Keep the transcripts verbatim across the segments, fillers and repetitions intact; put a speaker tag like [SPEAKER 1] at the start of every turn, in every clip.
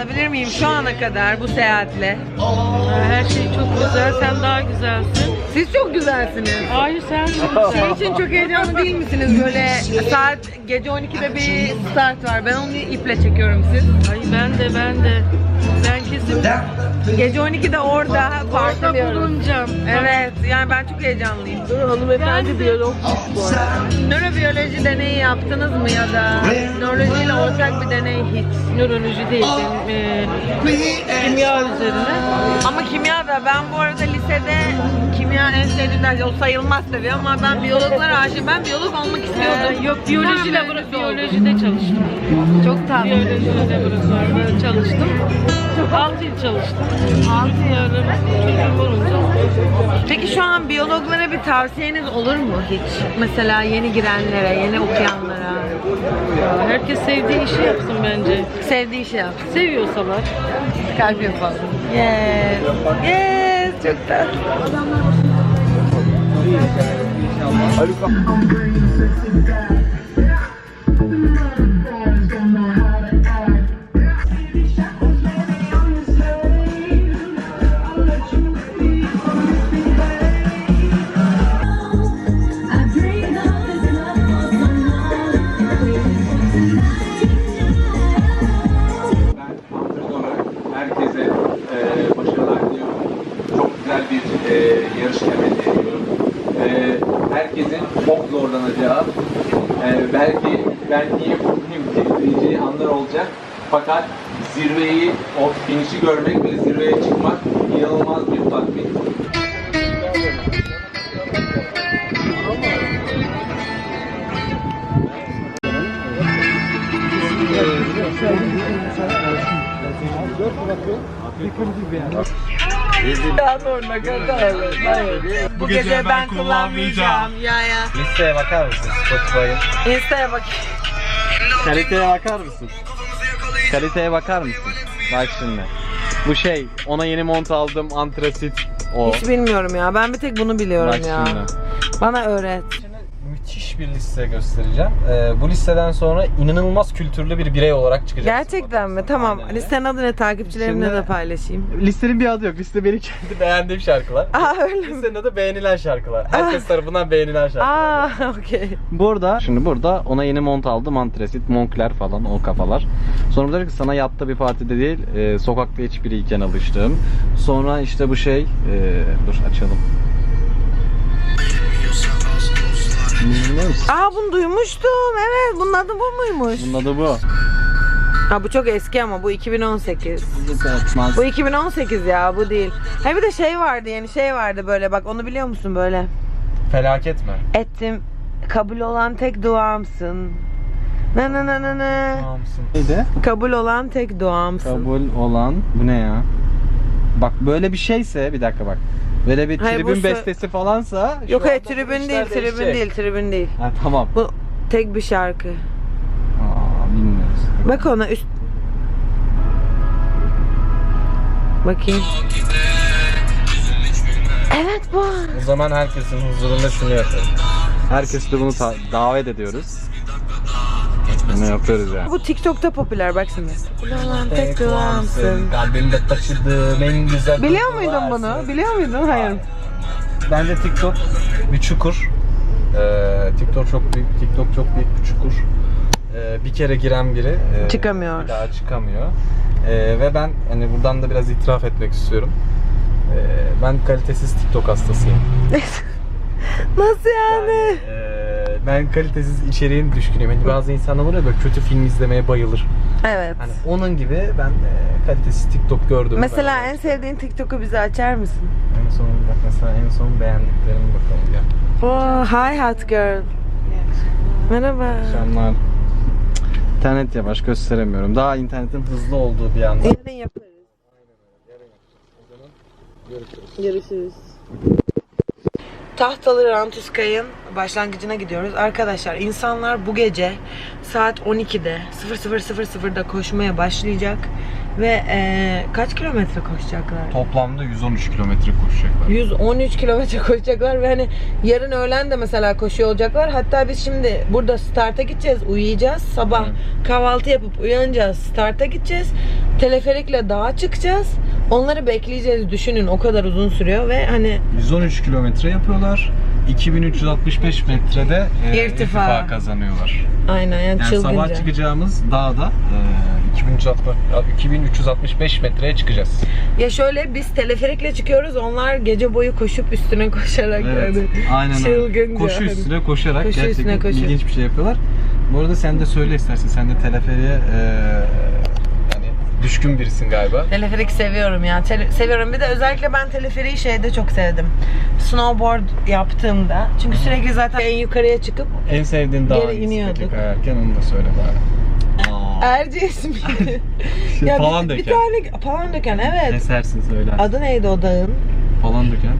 [SPEAKER 1] alabilir miyim şu ana kadar bu seyahatle?
[SPEAKER 2] Her şey çok güzel, sen daha güzelsin.
[SPEAKER 1] Siz çok güzelsiniz.
[SPEAKER 2] Hayır sen çok
[SPEAKER 1] Şey
[SPEAKER 2] güzel.
[SPEAKER 1] için çok heyecanlı değil misiniz? Böyle saat gece on ikide bir start var. Ben onu iple çekiyorum siz.
[SPEAKER 2] Ay ben de ben de. Ben kesin
[SPEAKER 1] Gece on ikide orada
[SPEAKER 2] orada
[SPEAKER 1] partiliyoruz.
[SPEAKER 2] bulunacağım.
[SPEAKER 1] Evet, yani ben çok heyecanlıyım.
[SPEAKER 2] Dur hanımefendi biyologmuş bu arada.
[SPEAKER 1] Nörobiyoloji deneyi yaptınız mı ya da nörolojiyle ortak bir deney hiç?
[SPEAKER 2] Nöroloji değil, benim, e, kimya üzerine.
[SPEAKER 1] Ama kimya da ben bu arada lisede kimya en sevdiğim ders, o sayılmaz tabii ama ben biyologlara aşığım. Ben biyolog olmak istiyordum.
[SPEAKER 2] Ee, yok biyoloji
[SPEAKER 1] Sonra
[SPEAKER 2] labora-
[SPEAKER 1] mühendis oldum.
[SPEAKER 2] biyolojide çalıştım.
[SPEAKER 1] Çok tatlı.
[SPEAKER 2] Biyoloji laboratuvarında çalıştım. altı yıl çalıştım. altı yıl çocuğum olunca.
[SPEAKER 1] Peki şu an biyologlara bir tavsiyeniz olur mu hiç? Mesela yeni girenlere, yeni okuyanlara.
[SPEAKER 2] Herkes sevdiği işi yapsın bence.
[SPEAKER 1] Sevdiği işi yap.
[SPEAKER 2] Seviyorsalar.
[SPEAKER 1] Kalp yapalım. Yes. Yes. Çok tatlı.
[SPEAKER 3] Ben antrenör olarak herkese e, başarılar diliyorum. Çok güzel bir e, yarış temenni ediyorum. E, herkesin çok zorlanacağı, e, belki ben niye mutluyum diyeceği anlar olacak. Fakat zirveyi, o finişi görmek ve zirveye çıkmak inanılmaz bir tatmin.
[SPEAKER 1] Bu gece ben kullanmayacağım. Ya ya.
[SPEAKER 4] Listeye bakar mısın Spotify'ın?
[SPEAKER 1] Insta'ya bak.
[SPEAKER 4] Kaliteye bakar mısın? Kaliteye bakar mısın? Bak şimdi. Bu şey, ona yeni mont aldım, antrasit o.
[SPEAKER 1] Hiç bilmiyorum ya. Ben bir tek bunu biliyorum
[SPEAKER 4] Bak
[SPEAKER 1] ya.
[SPEAKER 4] şimdi.
[SPEAKER 1] Bana öğret.
[SPEAKER 4] Müthiş bir liste göstereceğim. Ee, bu listeden sonra inanılmaz kültürlü bir birey olarak çıkacaksın.
[SPEAKER 1] Gerçekten mi? Tamam.
[SPEAKER 4] Aynen öyle.
[SPEAKER 1] Listenin adı ne? Takipçilerimle
[SPEAKER 4] Şimdi-
[SPEAKER 1] de paylaşayım.
[SPEAKER 4] Listenin bir adı yok. Liste benim kendi beğendiğim şarkılar.
[SPEAKER 1] Aa öyle mi?
[SPEAKER 4] Listenin adı beğenilen şarkılar. Herkes tarafından beğenilen şarkılar.
[SPEAKER 1] Aa okey.
[SPEAKER 4] Burada, şimdi burada ona yeni mont aldım, antresit, Moncler falan o kafalar. Sonra dedi ki sana yatta bir partide değil, e, sokakta hiçbiriyken alıştım. Sonra işte bu şey, e, dur açalım. Biliyor musun?
[SPEAKER 1] Aa bunu duymuştum. Evet. Bunun adı bu muymuş?
[SPEAKER 4] Bunun adı bu.
[SPEAKER 1] Ha bu çok eski ama bu iki bin on sekiz.
[SPEAKER 4] Atmaz.
[SPEAKER 1] Bu iki bin on sekiz ya, bu değil. Ha bir de şey vardı, yeni şey vardı böyle, bak onu biliyor musun böyle?
[SPEAKER 4] Felaket mi?
[SPEAKER 1] Ettim, kabul olan tek duamsın. Na na na na na.
[SPEAKER 4] Neydi?
[SPEAKER 1] Kabul olan tek duamsın.
[SPEAKER 4] Kabul olan, bu ne ya? Bak böyle bir şeyse, bir dakika bak. Böyle bir
[SPEAKER 1] Hayır, bu
[SPEAKER 4] tribün
[SPEAKER 1] sö-
[SPEAKER 4] bestesi falansa. şu
[SPEAKER 1] Yok hayır,
[SPEAKER 4] anda bu
[SPEAKER 1] tribün
[SPEAKER 4] işler
[SPEAKER 1] değil, tribün
[SPEAKER 4] değişecek.
[SPEAKER 1] değil, tribün değil.
[SPEAKER 4] Ha tamam.
[SPEAKER 1] Bu tek bir şarkı.
[SPEAKER 4] Aa, bilmiyoruz.
[SPEAKER 1] Bak ona üst... Bakayım. Evet bu.
[SPEAKER 4] O zaman herkesin huzurunda şunu yapalım. Herkes de bunu ta- davet ediyoruz. Bunu yapıyoruz yani.
[SPEAKER 1] Bu TikTok'ta popüler, bak şimdi. Kabul olan tek duamsın.
[SPEAKER 4] Kalbimde taşıdığım en güzel
[SPEAKER 1] Biliyor
[SPEAKER 4] duygular
[SPEAKER 1] muydun bunu?
[SPEAKER 4] sensin.
[SPEAKER 1] Biliyor muydun? Hayır.
[SPEAKER 4] Bence TikTok bir çukur. Ee, TikTok çok büyük, TikTok çok büyük bir çukur. Ee, bir kere giren biri e,
[SPEAKER 1] Çıkamıyor.
[SPEAKER 4] bir daha çıkamıyor. Ee, ve ben hani buradan da biraz itiraf etmek istiyorum. Ee, ben kalitesiz TikTok hastasıyım.
[SPEAKER 1] Nasıl yani?
[SPEAKER 4] Yani, e, ben kalitesiz içeriğin düşkünüyüm. Hani bazı insanlar var ya böyle kötü film izlemeye bayılır.
[SPEAKER 1] Evet.
[SPEAKER 4] Hani onun gibi ben e, kalitesiz TikTok gördüm.
[SPEAKER 1] Mesela en sevdiğin TikTok'u bize açar mısın?
[SPEAKER 4] en son bak mesela en son beğendiklerime bakalım ya.
[SPEAKER 1] Oh, hi hot girl. Merhaba.
[SPEAKER 4] Akşamlar. İnternet yavaş, gösteremiyorum. Daha internetin hızlı olduğu bir anda.
[SPEAKER 1] Yarın yaparız. Görüşürüz. Tahtalı Rantuskay'ın başlangıcına gidiyoruz. Arkadaşlar insanlar bu gece saat on ikide sıfır sıfır sıfırda koşmaya başlayacak. Ve ee, kaç kilometre koşacaklar?
[SPEAKER 4] Toplamda yüz on üç kilometre koşacaklar.
[SPEAKER 1] yüz on üç kilometre koşacaklar ve hani yarın öğlen de mesela koşuyor olacaklar. Hatta biz şimdi burada starta gideceğiz, uyuyacağız. Sabah kahvaltı yapıp uyanacağız, starta gideceğiz. Teleferikle dağa çıkacağız. Onları bekleyeceğiz. Düşünün, o kadar uzun sürüyor ve hani
[SPEAKER 4] yüz on üç kilometre yapıyorlar. iki bin üç yüz altmış beş metrede e,
[SPEAKER 1] İrtifa.
[SPEAKER 4] irtifa kazanıyorlar.
[SPEAKER 1] aynen yani,
[SPEAKER 4] Yani
[SPEAKER 1] çılgınca.
[SPEAKER 4] sabah çıkacağımız dağda e, iki bin üç yüz altmış beş metreye çıkacağız.
[SPEAKER 1] Ya şöyle, biz teleferikle çıkıyoruz. Onlar gece boyu koşup üstüne koşarak
[SPEAKER 4] Evet,
[SPEAKER 1] yani.
[SPEAKER 4] aynen öyle.
[SPEAKER 1] Çılgınca.
[SPEAKER 4] Koşu üstüne koşarak
[SPEAKER 1] Koşu
[SPEAKER 4] gerçekten
[SPEAKER 1] üstüne koşu.
[SPEAKER 4] ilginç bir şey yapıyorlar. Bu arada sen de söyle istersen. Sen de teleferiğe e, yani düşkün birisin galiba.
[SPEAKER 1] Teleferik seviyorum ya. Tele- seviyorum. Bir de özellikle ben teleferiği şeyde çok sevdim. Snowboard yaptığımda. Çünkü sürekli zaten en yukarıya çıkıp
[SPEAKER 4] En sevdiğin dağ
[SPEAKER 1] Geri
[SPEAKER 4] hangisi
[SPEAKER 1] iniyorduk.
[SPEAKER 4] peki kayarken, onu da söyle bari.
[SPEAKER 1] Erciyes miydi?
[SPEAKER 4] Şey,
[SPEAKER 1] ya
[SPEAKER 4] falan
[SPEAKER 1] bir, bir
[SPEAKER 4] döken.
[SPEAKER 1] tane Palandöken, evet.
[SPEAKER 4] Kesersin söyler.
[SPEAKER 1] Adı neydi o dağın?
[SPEAKER 4] Falan döken.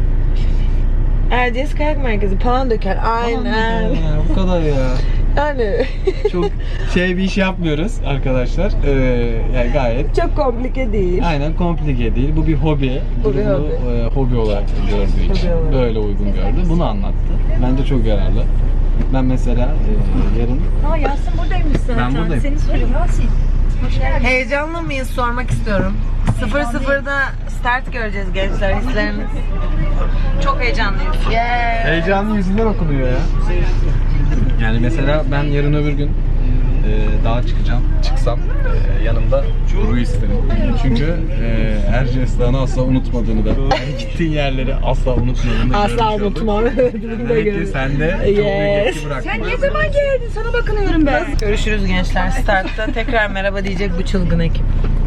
[SPEAKER 1] Erciyes Kayak Merkezi. Palandöken. Aynen.
[SPEAKER 4] Ya, bu kadar ya.
[SPEAKER 1] Yani
[SPEAKER 4] Çok şey bir iş yapmıyoruz arkadaşlar. Ee, yani gayet
[SPEAKER 1] çok komplike değil.
[SPEAKER 4] aynen komplike değil. Bu bir hobi.
[SPEAKER 1] Bu bir
[SPEAKER 4] Bunu,
[SPEAKER 1] hobi.
[SPEAKER 4] e, hobi olarak gördüğü için
[SPEAKER 1] Hobi olarak.
[SPEAKER 4] böyle uygun gördü. Bunu anlattı. Bence çok yararlı. Ben mesela e, yarın
[SPEAKER 5] Aa Yasin buradaymış zaten.
[SPEAKER 4] Ben buradayım.
[SPEAKER 5] Seni soruyorum Yasin. Hoş geldin.
[SPEAKER 1] Heyecanlı mıyız, sormak istiyorum. sıfır sıfırda start göreceğiz gençler, hisleriniz. Çok heyecanlıyız. Yeah.
[SPEAKER 4] heyecanlı yüzünden okunuyor ya. Yani mesela ben yarın öbür gün e, dağa çıkacağım. Çıksam e, yanımda Duru'yu isterim. Çünkü e, Erciyes Dağı'nı asla unutmadığını da, yani gittiğin yerleri asla unutmadığını da
[SPEAKER 1] Asla
[SPEAKER 4] görmüş olduk.
[SPEAKER 1] unutmam.
[SPEAKER 4] Demek ki sen de çok büyük
[SPEAKER 1] Yes.
[SPEAKER 4] etki bıraktın.
[SPEAKER 5] Sen ne zaman geldin? Sana bakınıyorum ben.
[SPEAKER 1] Görüşürüz gençler startta. Tekrar merhaba diyecek bu çılgın ekip.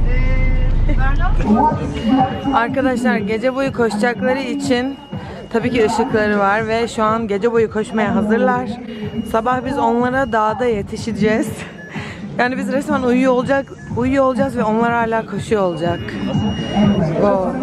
[SPEAKER 1] Arkadaşlar gece boyu koşacakları için tabii ki ışıkları var ve şu an gece boyu koşmaya hazırlar. Sabah biz onlara dağda yetişeceğiz. Yani biz resmen uyuyor olacak, uyuyor olacağız ve onlar hala koşuyor olacak. Wow.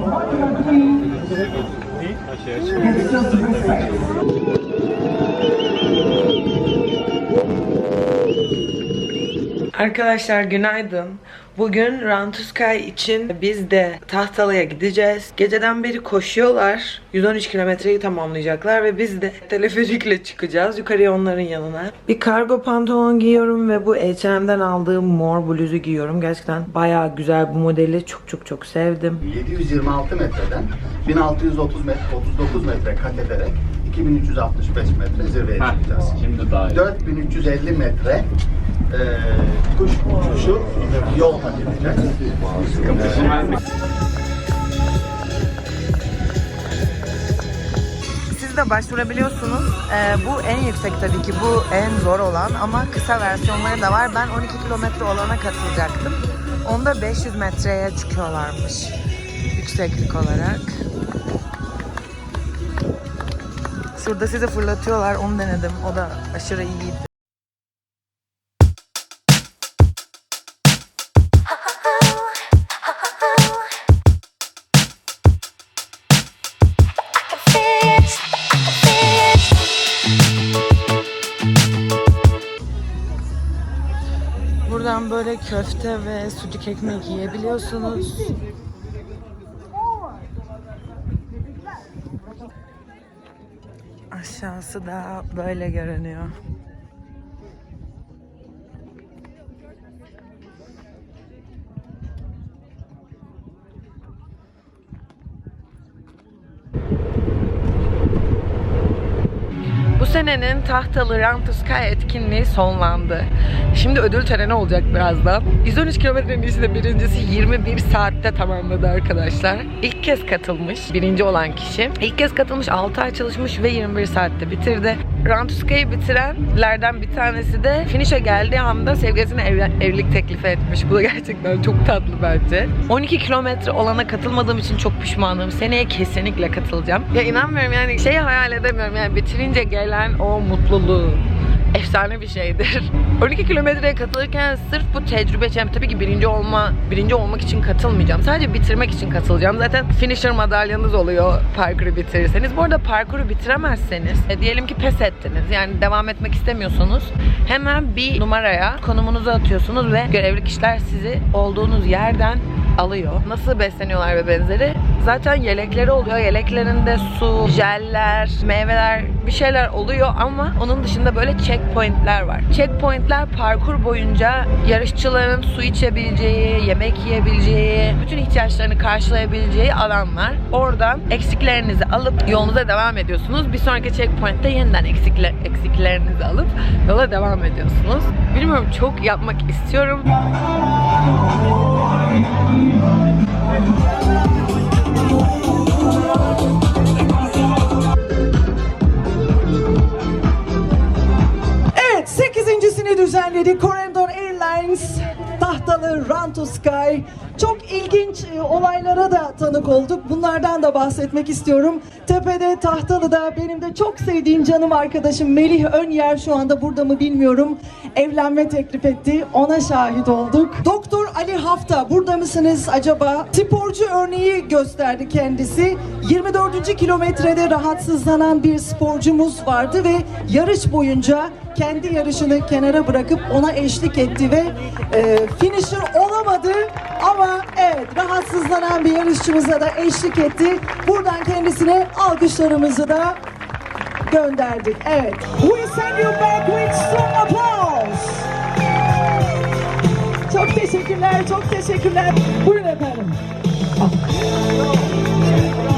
[SPEAKER 1] Arkadaşlar günaydın. Bugün Rantuskay için biz de Tahtalı'ya gideceğiz. Geceden beri koşuyorlar. yüz on üç kilometreyi tamamlayacaklar ve biz de teleferikle çıkacağız yukarıya onların yanına. Bir kargo pantolon giyiyorum ve bu H and M'den aldığım mor bluzu giyiyorum. Gerçekten bayağı güzel, bu modeli çok çok çok sevdim.
[SPEAKER 6] yedi yüz yirmi altı metreden bin altı yüz otuz metre, otuz dokuz metre kat ederek iki bin üç yüz altmış beş metre zirveye çıkacağız.
[SPEAKER 4] Şimdi daha iyi.
[SPEAKER 6] dört bin üç yüz elli metre e, kuş uçuşu yol kat edeceğiz.
[SPEAKER 1] Siz de başvurabiliyorsunuz. Ee, bu en yüksek tabii ki. Bu en zor olan ama kısa versiyonları da var. Ben on iki kilometre olana katılacaktım. Onda beş yüz metreye çıkıyorlarmış. Yükseklik olarak. Şurada sizi fırlatıyorlar. Onu denedim. O da aşırı iyiydi. Buradan böyle köfte ve sucuk ekmek yiyebiliyorsunuz. Aşağısı da böyle görünüyor. Bu senenin Tahtalı Rantuskay etkinliği sonlandı. Şimdi ödül töreni olacak birazdan. yüz on üç kilometrenin içinde birincisi yirmi bir saatte tamamladı arkadaşlar. İlk kez katılmış birinci olan kişi. İlk kez katılmış, altı ay çalışmış ve yirmi bir saatte bitirdi. Rantuskay'ı bitirenlerden bir tanesi de finish'e geldiği anda sevgilisine ev, evlilik teklifi etmiş. Bu da gerçekten çok tatlı bence. on iki kilometre olana katılmadığım için çok pişmanım. Seneye kesinlikle katılacağım. Ya inanmıyorum yani, şeyi hayal edemiyorum yani, bitirince gelen o mutluluğu, efsane bir şeydir. on iki kilometreye katılırken sırf bu tecrübe için, tabii ki birinci olma, birinci olmak için katılmayacağım. Sadece bitirmek için katılacağım. Zaten finisher madalyanız oluyor parkuru bitirirseniz. Bu arada parkuru bitiremezseniz, e, diyelim ki pes ettiniz. Yani devam etmek istemiyorsunuz. Hemen bir numaraya konumunuzu atıyorsunuz ve görevli kişiler sizi olduğunuz yerden alıyor. Nasıl besleniyorlar ve benzeri. Zaten yelekleri oluyor. Yeleklerinde su, jeller, meyveler, bir şeyler oluyor ama onun dışında böyle checkpointler var. Checkpointler parkur boyunca yarışçıların su içebileceği, yemek yiyebileceği, bütün ihtiyaçlarını karşılayabileceği alanlar. Oradan eksiklerinizi alıp yolunuza devam ediyorsunuz. Bir sonraki checkpoint'te yeniden eksikler, eksiklerinizi alıp yola devam ediyorsunuz. Bilmiyorum, çok yapmak istiyorum.
[SPEAKER 7] Evet, sekizincisini düzenledik. Corendon Airlines tahtalı Run to Sky. Çok ilginç e, olaylara da tanık olduk. Bunlardan da bahsetmek istiyorum. Tepede Tahtalı'da benim de çok sevdiğim canım arkadaşım Melih Önyer, şu anda burada mı bilmiyorum, evlenme teklif etti. Ona şahit olduk. Doktor Ali Hafta, burada mısınız acaba? Sporcu örneği gösterdi kendisi. yirmi dördüncü kilometrede rahatsızlanan bir sporcumuz vardı ve yarış boyunca kendi yarışını kenara bırakıp ona eşlik etti ve e, finisher olamadı ama evet, rahatsızlanan bir yarışçımıza da eşlik etti. Buradan kendisine alkışlarımızı da gönderdik. Evet. We send you back with strong applause. Çok teşekkürler, çok teşekkürler. Buyurun efendim.